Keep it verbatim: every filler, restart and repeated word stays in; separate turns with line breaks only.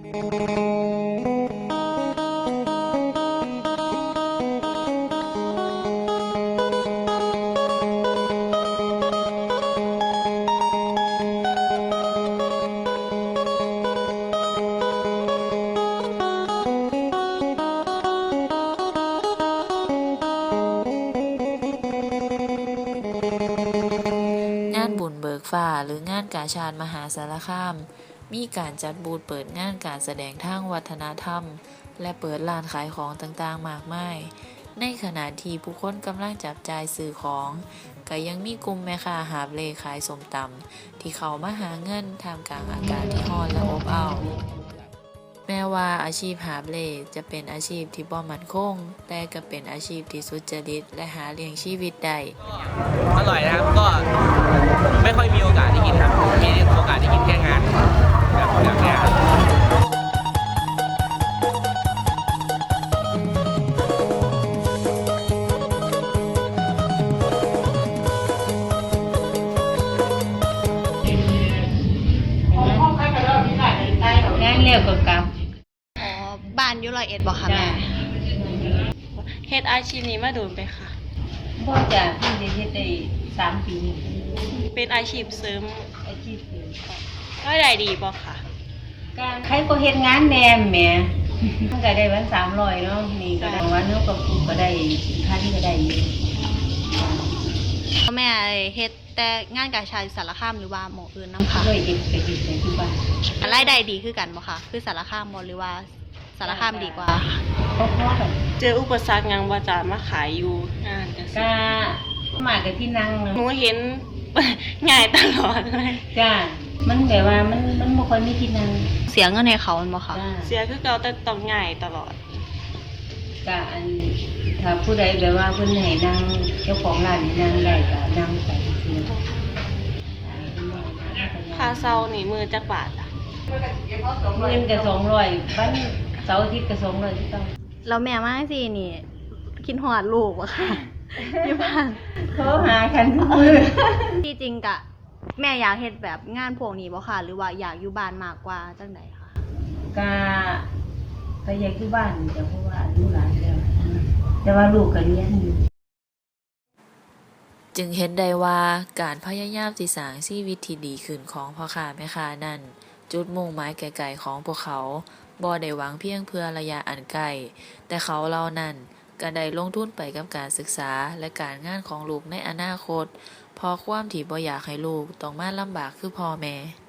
งานบุญเบิกฟ้าหรืองานกาชาดมหาสารคาม มีการจัดบูธเปิดงานการแสดงทางวัฒนธรรม และเปิดร้านขายของต่างๆมากมาย ในขณะที่ผู้คนกำลังจับจ่ายซื้อของ ก็ยังมีกลุ่มแม่ค้าหาบเล่ขายส้มตำที่เขามาหาเงินท่ามกลางอากาศที่ร้อนและอบอ้าว แม้ว่าอาชีพหาบเล่จะเป็นอาชีพที่บ่มั่นคง แต่ก็เป็นอาชีพที่สุจริตและหาเลี้ยงชีวิตได้
อร่อยนะครับก็ไม่ค่อยมีโอกาสได้กินครับมีโอกาสได้กินแค่งานแบบแบบเนี้ยครับ
งานเร็วกว่ากรรม
อ๋อบ้านอยู่ร้อยเอ็ดบ่ค่ะแม่เฮ็ดอาชีพนี้มาโดนไปค่ะ
บ่จ้ะเพิ่งได้เฮ็ดได้สามปี
เป็นอาชีพเสริม
อาชีพเสริม
รายได้ดีบ่ค่ะ
การใครก็เฮ็ดงานแหนมแหมมันก็ได้วันสามร้อยเนาะนี่ก็ได้วันเนาะก็ก็ได้พันก็ได้อยู่
แม่เฮ็ดแต่งานกาชาดอยู่สารคามหรือว่าหม้องอื่นนำค่ะ
ด้วยเด็กไปเฮ็ดในที่บ้าน
รายได้ดีคือกันบ่ค่ะคือสารคามบ่หรือว่าสารคามดีกว่า
พอๆกัน
เจออุปสรรคหยังบ่จ้ามาขายอยู่งานจังซี่
ก็มากับที่นั่ง
หนูเห็น ง่ายตลอดเลย
จ้ามันแบบว่ามันมันบ่ค่อยมีที่นั่ง
เสียเงินให้เขาแม่นบ่ค่ะ
จ้า
เสียคือเก่าแต่ต้องง่ายตลอด
ก็อันถ้าผู้ใดแบบว่าเพิ่นให้นั่งเจ้าของร้านให้นั่งได้ก็นั่งไปซื่อ
ค่าเช่านี่มื้อจักบาทอ่ะ
เงินก็สองร้อยวันเสาร์อาทิตย์ก็สองร้อยที่ต้อง
แล้วแม่มาสินี่คิดฮอดลูกบ่ค่ะ อยู่บ้าน
โทรหากันทุกมื้อ
ที่จริงกะแม่อยากเฮ็ดแบบงานพวกนี้บ่ค่ะ หรือว่าอยากอยู่บ้านมากกว่าจังไดคะ
ก็ก็อยากอยู่บ้านแต่เพราะว่าลูกหลานแล้วแต่ว่าลูกก็เรียนอยู่
จึงเห็นได้ว่าการพยายามสิสร้างชีวิตที่ดีขึ้นของพ่อค้าแม่ค้านั้น จุดมุ่งหมายไกลๆของพวกเขาบ่ได้หวังเพียงเพื่อระยะอันไกล แต่เขาเหล่านั้นก็ได้ลงทุนไปกับการศึกษาและการงานของลูกในอนาคตเพราะความที่บ่อยากให้ลูกต้องมาลำบากคือพ่อแม่